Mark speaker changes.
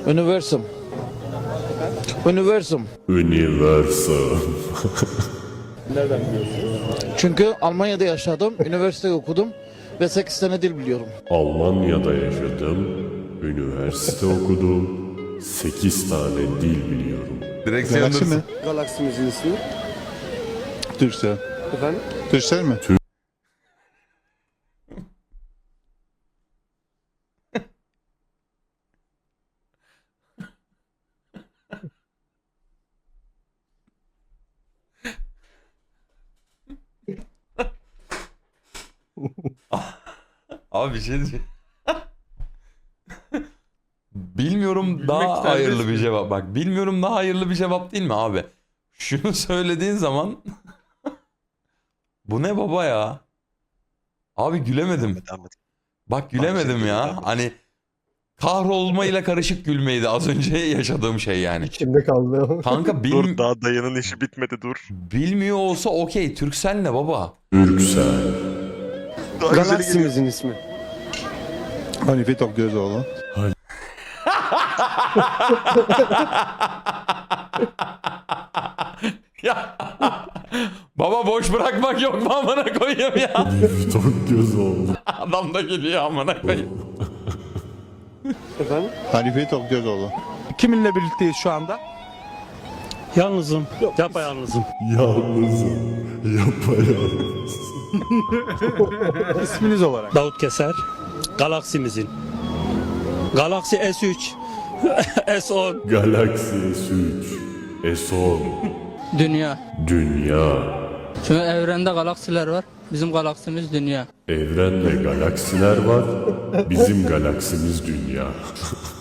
Speaker 1: Universum. Universum.
Speaker 2: Universal.
Speaker 3: Nereden biliyorsunuz?
Speaker 1: Çünkü Almanya'da yaşadım, üniversite okudum ve 8 tane dil biliyorum.
Speaker 2: Almanya'da yaşadım, üniversite okudum, 8 tane dil biliyorum.
Speaker 4: Direksiyon
Speaker 5: Galaksi mi?
Speaker 3: Galaksimizin ismi.
Speaker 5: Türksel.
Speaker 3: Efendim?
Speaker 5: Türksel mi?
Speaker 4: Abi bir şey diyeceğim. Bilmiyorum
Speaker 6: Gülmek
Speaker 4: daha
Speaker 6: serbest
Speaker 4: hayırlı bir
Speaker 6: mi?
Speaker 4: cevap. Bak bilmiyorum daha hayırlı bir cevap değil mi abi? Şunu söylediğin zaman bu ne baba ya? Abi gülemedim. Bak gülemedim ya. Hani kahrolmayla karışık gülmeydi az önce yaşadığım şey yani.
Speaker 3: İçimde kaldı.
Speaker 4: Kanka
Speaker 7: Dur daha dayının işi bitmedi dur.
Speaker 4: bilmiyor olsa okey. Türksel ne baba?
Speaker 2: Türksel.
Speaker 7: Daha güzeli geliyor.
Speaker 3: Galaksimizin ismi.
Speaker 5: Hanife Tokgözoğlu.
Speaker 4: Ya baba boş bırakmak yok mu amına koyayım ya?
Speaker 2: Çok göz oldu.
Speaker 4: Adam da geliyor amına koyayım.
Speaker 3: Efendim?
Speaker 5: Hanife Tokgözoğlu.
Speaker 6: Kiminle birlikteyiz şu anda?
Speaker 8: Yalnızım. Yapayalnızım.
Speaker 2: Yalnızım. Yapayalnız.
Speaker 6: İsminiz olarak.
Speaker 8: Davut Keser. Galaksimizin. Galaksi S3. S10.
Speaker 2: Galaxy S3. S10.
Speaker 9: Dünya.
Speaker 2: Dünya.
Speaker 9: Çünkü evrende galaksiler var. Bizim galaksimiz dünya.
Speaker 2: Evrende galaksiler var. Bizim galaksimiz dünya.